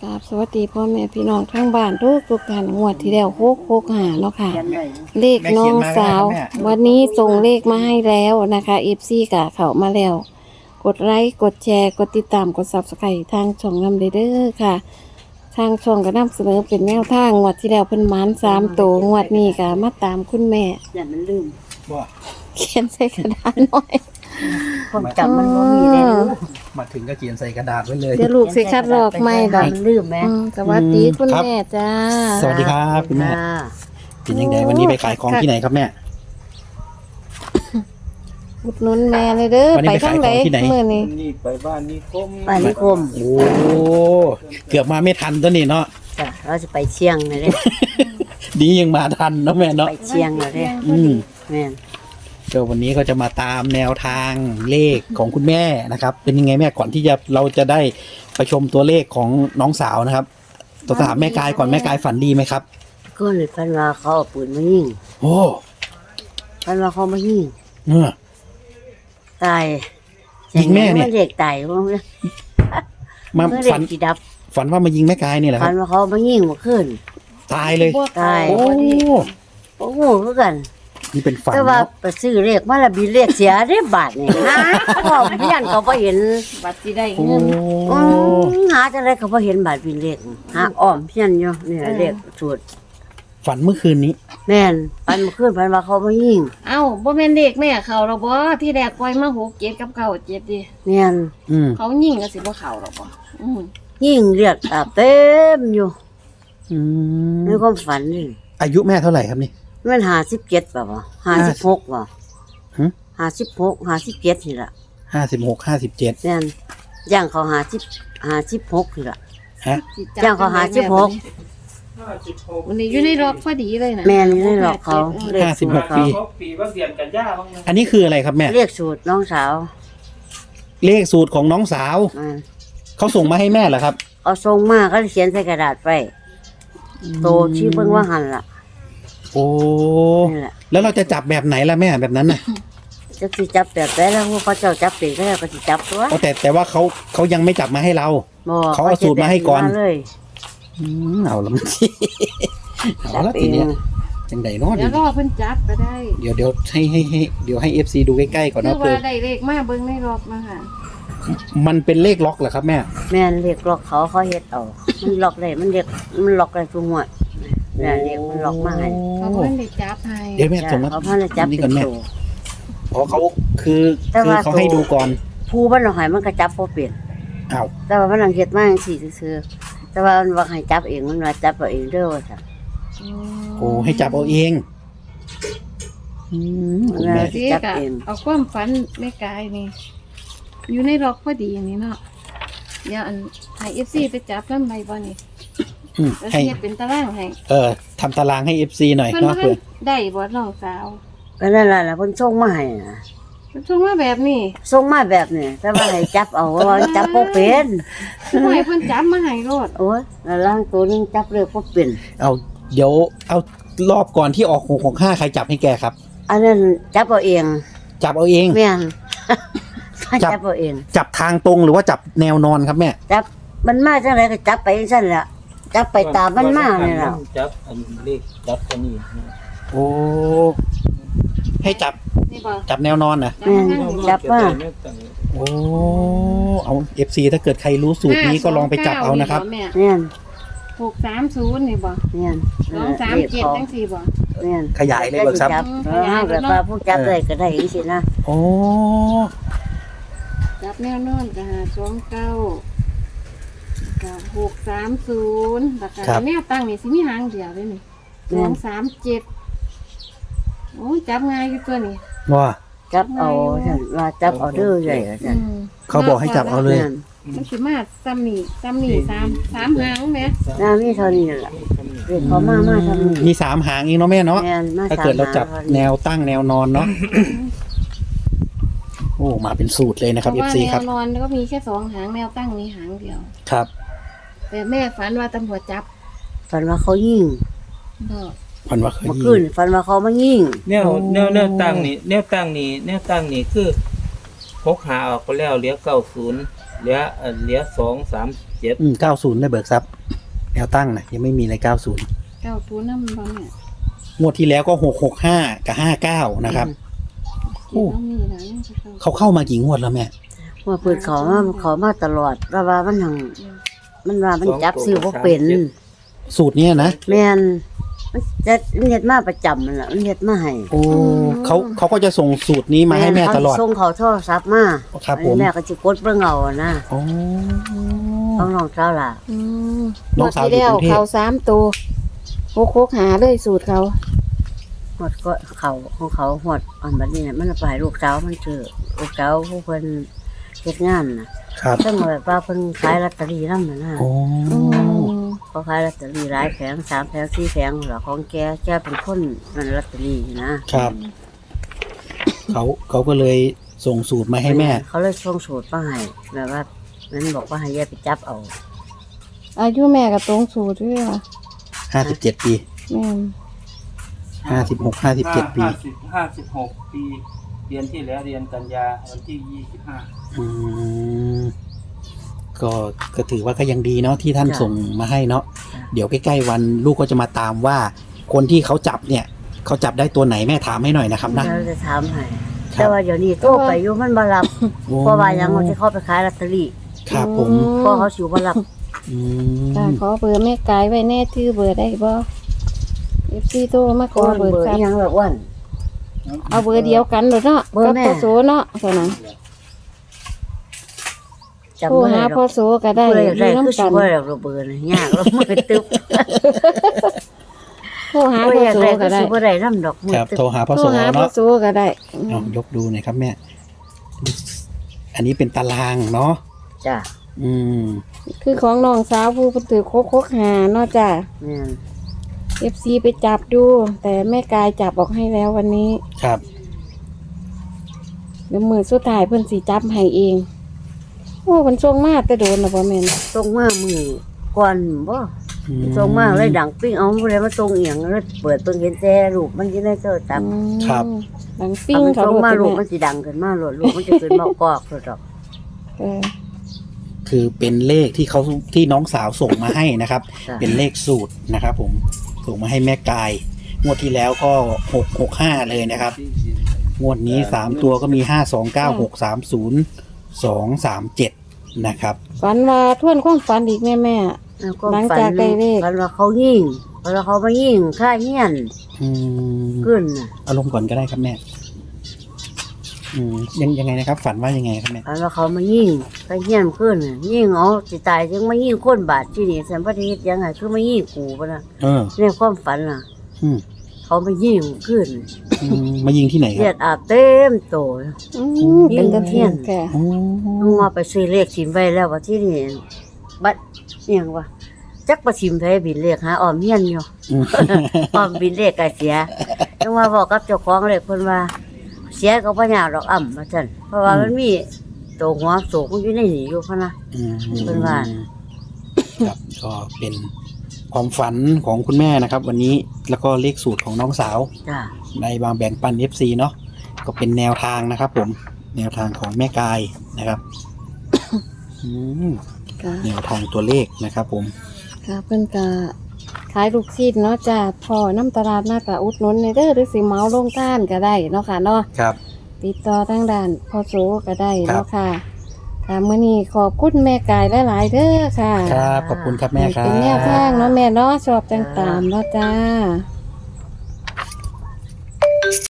กราบสวัสดีพ่อแม่พี่น้องทั้งบ้านทุกท่านงวดที่แล้ว665เนาะค่ะ เลขน้องสาว วันนี้ส่งเลขมาให้แล้วนะคะFCกะเข้ามาแล้ว กดไลค์กดแชร์กดติดตามกด Subscribe ทางช่องนำเด้อค่ะ ทางช่องก็นำเสนอเป็นแนวทางงวดที่แล้วเพิ่นหมาน3ตัวงวดนี้ก็มาตามคุณแม่อย่ามันลืมว่าเขียนใส่กระดาษหน่อยความจำมันบ่มีแล้วมาถึงก็เขียนใส่กระดาษไว้เลยเดี๋ยวลูกสิคัดลอกไม่ดอกมันลืมไหมสวัสดีคุณครับแม่จ้าสวัสดีครับคุณแม่จ้าเป็นยังไงวันนี้ไปขายของที่ไหนครับแม่อุดหนุนแม่เลยเด้อวันนี้ไปไปทางไหนขายของที่ไหนมื้อนี้นี่ไปบ้านนิคมบ้านนิคมโอ้เกือบมาไม่ทันตัวนี้เนาะจ้ะเราจะไปเชียงเลยเด้ดียังมาทันเนาะแม่เนาะไปเชียงเลยเด้อืมแม่นก็วันนี้ก็จะมาตามแนวทางเลขของคุณแม่นะครับ เป็นยังไงแม่ก่อนที่เราจะได้ไปชมตัวเลขของน้องสาวนะครับตัวถามแม่กายก่อนแม่กายฝันดีไหมครับก็เลยพันว่าเขาเอาปืนมายิงโอ้พันว่าเขามายิงเออตายยิงแม่เนี่ยเด็กตายว่ามาเมื่อเด็ฝักนกี่ดับฝันว่ามายิงแม่กายนี่แหละคพัรันบว่าเขามายิงเมาขึ้นตายเลยตายโอ้โอ้โหเหมือนกันนี่เป็นฝันแต่ว่าเนาะไปซื้อเลขมาและบีเลขเสียได้บาทนี่หาพ่อเพี้ยนเขาบ่เห็นบัตรสิได้โอ้เงินหาจังไดเขาบ่เห็นบาทบีเลขหาอ้อมเพี้ยนอยู่นี่แหละเลขสูตรฝันเมื่อคืนนี้แม่นปันมาขึ้นปันว่าเขามายิงเอ้าบ่แม่นเด็กแม่เขาหรอกบ่ที่แรกปล่อยมา6 7กับ9 7ดิแม่นอืมเขายิงก็สิบ่เข้าหรอกบ่อืมยิงเลือดอาบเต็มอยู่อืมในความฝันนี่อายุแม่เท่าไหร่ครับนี่มัน57ป่ะ56ป่ะหึ 56 57นี่ล่ะ 56 57 แม่นย่างเขา56นี่ล่ะฮะสิจับจ้างเขาหา16 วันนี้อยู่ในรอบพอดีเลยนะแม่นอยู่ในหลอกเขาเลขสูตร 56 เขาปีปีว่าเดือนกันยาบ้างนะอันนี้คืออะไรครับแม่เรียกสูตรน้องสาวเลขสูตรของน้องสาวอ่าเขาส่งมาให้แม่เหรอครับเอาทรงมาก็เขียนใส่กระดาษไว้โตชื่อเบิ่งว่าหันล่ะโอ้นี่แหละแล้วเราจะจับแบบไหนล่ะแม่แบบนั้นน่ะจะสิจับแบบได้แล้วพวกเขาเจ้าจับเป็นก็แล้วก็สิจับตัวอ๋อแต่ว่าเขายังไม่จับมาให้เราบ่เขาเอาสูตรมาให้ก่อนเลยเอาละมันเอาละทีเนี้ยจังไดเนาะเดี๋ยวรอเพิ่นจับก็ได้เดี๋ยวให้ FC ดูใกล้ๆก่อนคืนะอเพื่ว่าอได้เลขมาเบิ่งในรอบมาค่ะมันเป็นเลขล็อกเหรอครับแม่แม่นเรียกล็อกเขาเฮ็ดเอามันล็อกได้มันล็อกได้ทุกงวดเนี่ยเรียกมันล็อกมาให้เขาเพิ่นได้จับให้เดี๋ยวแม่ส่งมาเขาพันจับนี่เป็ก่อน นแม่ตัวเพราะเขาคือแต่ว่าเขาให้ดูก่อนผู้มันเอาให้มันก็จับบ่เป็นอ้าวแต่ว่ามันเอาเฮ็ดมาจังซี่ซื่อๆแต่ว่ามันว่าให้จับเองมันว่าจับเอาเองเด้อว่าซั่นโอ้ให้จับเอาเองคุณแม่สิกะเอาความฝันแม่กายนี่ อยู่ในรอบพอดีอย่างนี้เนาะเดี๋ยวอันให้ FC ไปจับนำใบบ่นี่ แล้วให้เฮ็ดเป็นตารางให้ทำตารางให้ FC หน่อยเพิ่นเนาะว่าเพื่อได้บ่น้องสาวก็นั่นล่ะเพิ่นส่งมาให้นะเพิ่นส่งมาแบบนี้ส่งมาแบบนี้แต่ว่าให้จับเอาว่าจับบ่เป็นผู้ให้เพิ่นจับมาให้โลดโอ้ยแล้วล่างตัวนึงจับเลยบ่เป็นเอาเดี๋ยวเอารอบก่อนที่ออก665ใครจับให้แกครับอันนั้นจับเอาเองจับเอาเองแม่นจับจับเอาเองจับทางตรงหรือว่าจับแนวนอนครับแม่จับมันมาจังไดก็จับไปจังซั่นแหละจับไปตามมันมานี่ล่ะจับอันเลขจับอันนี้โอ้ให้จับนี่บ่จับแนวนอนนะแม่นจับมาโอ้เอา FC ถ้าเกิดใครรู้สูตรนี้ก็ลองไปจับเอานะครับแม่แม่น 630นี่บ่แม่น 237จังซี่บ่แม่นขยายเลยเบิกทรัพย์จับแบบว่าผู้จับได้ก็ได้จังซี่นะโอ้จับแนวนอนก็หา29ก็630แล้วก็แนวตั้งนี่สิมีหางเดียวเลยนี่237โอ้ยจับง่ายอยู่ตัวนี้ว่าจับเอาซั่นว่าจับเอาเด้อใหญ่ว่าซั่นเขาบอกให้จับเอาเลยแม่นมันสิมาซ้ำนี่3หางแหมน่ามีเท่านี้ล่ะเรียกเขามาทำนี่มี3หางเองเนาะแม่เนาะแม่นมาถ้าเกิดเราจับสมหแนวตั้งแนวนอนเนาะ โอ้มาเป็นสูตรเลยนะครับเพราะว่า FC ครับแนวนอนก็มีแค่2หางแนวตั้งมีหางเดียวครับแต่แม่ฝันว่าตำรวจจับฝันว่าเขายิงบ่พันว่าเคยเมื่อยิคืนงฝันว่าเขามายิงแนวตั้งนี่พกหาออกไปแล้วเหลือ90 เหลือ237 90ได้เบิกทรัพย์แนวตั้งนะยังไม่มีอะไร90 เก้าตัวน้ำบ้างเนี่ยงวดที่แล้วก็665กับ59นะครับ โอ้กินน้ำนี่นะยังจะเข้าเขาเข้ามากี่งวดแล้วแม่ว่าเปิดเขามาตลอดว่ามันหังมันว่ามันจับซื้อบ่เป็นสูตรเนี้ยนะแม่นมันจะมันเฮ็ดมาประจำมันล่ะมันเฮ็ดมาให้โอ้เขาก็จะส่งสูตรนี้มาให้แม่ตลอดเขาส่งเขาโทรศัพท์มาครับผมแม่ก็สิกดเบิ่งเอานะโอ้ต้องน้องเจ้าล่ะอืมน้องสาวที่แล้วอยู่กรุงเทพเขา3ตัวโคกหาเลยสูตรเขาหมดก็เขาของเขาหมดอันบัดนี้น่ะมันเอาไปให้ลูกสาวมันซื้อลูกสาวผู้เพิ่นเฮ็ดงานน่ะครับซึ่งแบบว่าเพิ่นขายลอตเตอรี่นำน่ะนะโอ้อืมเขาขายลอตเตอรี่หลายแผง3แผง4แผงเหรอของแกเป็นคนนั่นลอตเตอรี่นะครับเขาก็เลยส่งสูตรมาให้แม่เขาเลยส่งสูตรมาให้แบบว่ามันบอกว่าให้แยกไปจับเอาอายุแม่ก็ตรงสูตรด้วยว่ะ 57 ปีแม่น 56 57 ปี 56 ปีเดือนที่แล้วเดือนกันยาวันที่25 อืมก็ถือว่าก็ยังดีเนาะที่ท่านส่งมาให้เนาะเดี๋ยวใกล้ๆวันลูกก็จะมาตามว่า คนที่เขาจับเนี่ยเขาจับได้ตัวไหนแม่ถามให้หน่อยนะครับนะเราจะถามให้ครับแต่ว่าเดี๋ยวนี้โตไปอยู่มันบ่รับโอ้เพราะว่ายังมันจะเข้าไปขายลอตเตอรี่ครับผมเพราะเขาสิบ่รับอืค่ะมขอเบอร์แม่กายไว้แน่ชื่อเบอร์ได้บ่ FC โทรมาขอเบอร์เบอร์ครับยังแบบอ้วนเอาเบอร์เดียวกันเลยเนาะเบอร์แม่กับพ่อโสเนาะเท่านั้นจำโทรบ่ได้หาหรพ่ออกโสก็ได้ผู้ใดอยากได้อยู่คือน้ำสิกันบ่ได้หรอกเบอร์นี่ยากแล้วมือตึ๊บโทรหาผู้ใดพ่ออยากโสได้คืก็อได้สิบ่ได้นำดอกมือครับตึ๊บโทรหาพ่อโทโสรหาพ่อเนาะโสก็ได้เอายกดูหน่อยครับแม่ อันนี้เป็นตารางเนาะจ้ะอืมคือของน้องสาวผู้เพิ่นถือโคกหาเนาะจ้ะแม่น FC ไปจับดู แต่แม่กายจับออกให้แล้ววันนี้ครับเดี๋ยวมือสุดท้ายเพิ่นสิจับให้เองโอ้เพิ่นส่งมาแต่โดนน่ะบ่แม่นตรงมามือก่อนบ่ตรงมาเลยดังปิ้งเอาผู้ใดมาตรงเอียงแล้วเปิดเพิ่งเห็นแต่รูปมันสิได้เจอจับอืมครับดังปิ้งถ้ามันเขาตรงโลดมาแต่ลูกแม่มันสิดังขึ้นมาโลดลูกมันจะขึ้นมากอกโลดดอกเออคือเป็นเลขที่น้องสาวส่งมาให้นะครับจ้ะเป็นเลขสูตรนะครับผมส่งมาให้แม่กาย งวดที่แล้วก็665เลยนะครับ งวดนี้3ตัวก็มี529630237นะครับฝันว่าทวนความฝันอีกแม่แล้วก็หลังจากได้เลขฝันว่าเขายิงฝันว่าเขามายิงฆ่าเฮียนอืมขึ้นน่ะอารมณ์ก่อนก็ได้ครับแม่ยังไงนะครับ ฝันว่ายังไงครับแม่ฝันว่าเขามายิงฆ่าเฮียนขึ้นน่ะยิงเอาสิตายจึงมายิงคนบาดที่นี่สันปฏิเฮ็ดยังไงคือมายิงกูปะนะเออในความฝันน่ะอืมเขามายิงขึ้นมายิงที่ไหนคเลือรับดอาบเต็มโตๆอืมเป็นตะเทียนแค่โอ้ต้องมาไปซื้อเลขสิมไว้แล้วว่าที่นี่บัดเอียงว่าจักประสิมไผบินเลขหาออมเฮียนอยู่อืมออมบินเลขก็เสียต้องมาบอกกับเจ้าของเลขเพิ่นว่า เสียก็บ่ยากดอกว่าซั่นเพราะว่ามันมีตัวหัวโศกมันอยู่ในนี่อยู่พะนะอืมเป็นว่าครับก็เป็นความฝันของคุณแม่นะครับ วันนี้แล้วก็เลขสูตรของน้องสาวจ้าในบางแบ่งปัน FC เนาะก็เป็นแนวทางนะครับ ผมแนวทางของแม่กายนะครับอืมค่ะแนวทางตัวเลขนะครับ ผมค่ะเพิ่นก็ขายลูกชิ้นเนาะจ้ะพอน้ำตลาดน่าก็อุดหนุนในเด้อหรือสิเหมาลงท่านก็ได้เนาะค่ะเนาะครับติดต่อทางด้านพ่อโสก็ได้ครับเนาะค่ะค่ะมื้อนี้ขอบคุณแม่กายหลายๆเด้อค่ะครับขอบคุณครับแม่ครัเป็นแนวบทางเนาะแม่เนาะชอบจังตามเนาะจ้า